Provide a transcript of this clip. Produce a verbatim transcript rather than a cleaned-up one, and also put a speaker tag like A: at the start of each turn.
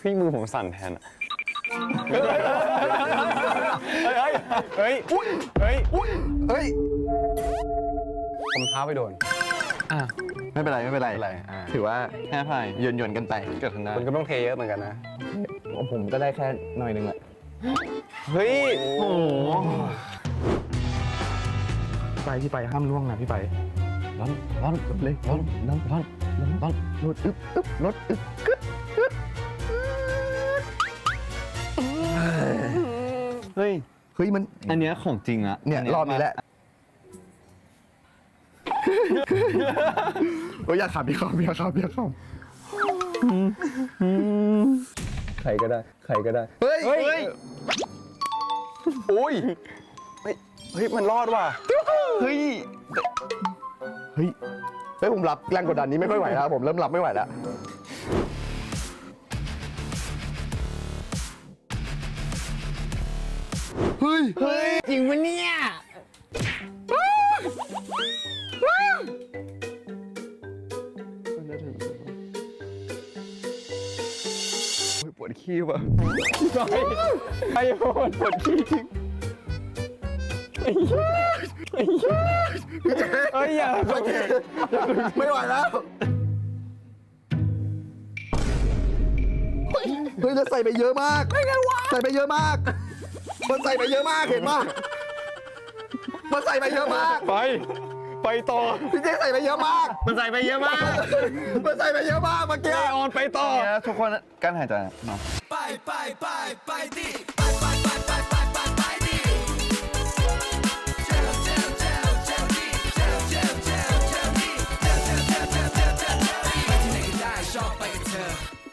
A: พี่มือผมสั่นแทนอะเฮ้ยเฮ้ยเฮ้ยเฮ้ยเฮ้ยผมเท้าไปโดนอ่ะ
B: ไม่เป็นไรไม่เป็นไร
A: ไม่เป็นไรอ่า
B: ถือว่า
A: แค่พาย
B: หย่อนหย่อนๆกันไป
A: เกิดทันได้มันก็ต้องเทเยอะเหมือนกันนะ
B: ผมก็ได้แค่หน่อยนึงแหละ
A: เฮ้ย
B: โอ้โหไปพี่ไปห้ามล่วงนะพี่ไปร้อนร้อนเลยร้อนร้อนร้อนร้อนร้อนรถอึ๊บอึ๊บรถอึ๊บกึ๊บกึ๊บ
A: เฮ้ย
B: เฮ้ยมัน
A: อันเนี้ยของจริงอะ
B: เนี่ยรอบนี้แหละโอ้ยอยากขับพี่ขับพี่ขับพี่ขับ
A: ใครก็ได้ใครก็ได้
B: เฮ้ย
A: เฮ้ยโอ้ยเฮ้ยเฮ้ยมันรอดว่ะ
B: เฮ้ยเฮ้ยเฮ้ยผมรับแรงกดดันนี้ไม่ค่อยไหวแล้วผมเริ่มรับไม่ไหวแล้วเฮ้ยเฮ้ย
A: จริงปะเนี่ย
B: ปวดขี้ว่ะ
A: ไอ้โหดปวดขี้จริงไอ้เหี้ยไอ้เหี้ยเฮ้ยอย่า
B: ไม่ไหวแล้วเฮ้ยแล้วใส่ไปเยอะมากใส่ไปเยอะมากมันใส่ไปเยอะมากเห็นป่ะมันใส่ไปเยอะมาก
A: ไปไปต่อ
B: พี่เจ๊ใส่ไปเยอะมาก
A: มันใส่ไปเยอะมาก
B: มันใส่ไปเยอะมากเมื่อกี้
A: ไอออนไปต่อ
B: ทุกคนกั้นหายใจเนาะ
C: ไปไปไปไปดิไปไปไปไปไปไปไปดิเจลเจลเจลเจลดิเจลเจลเจลเจลดิเจลเจลเจลเจลเจลเจลดิไปที่ไหนก็ได้ชอบไปกับเธอ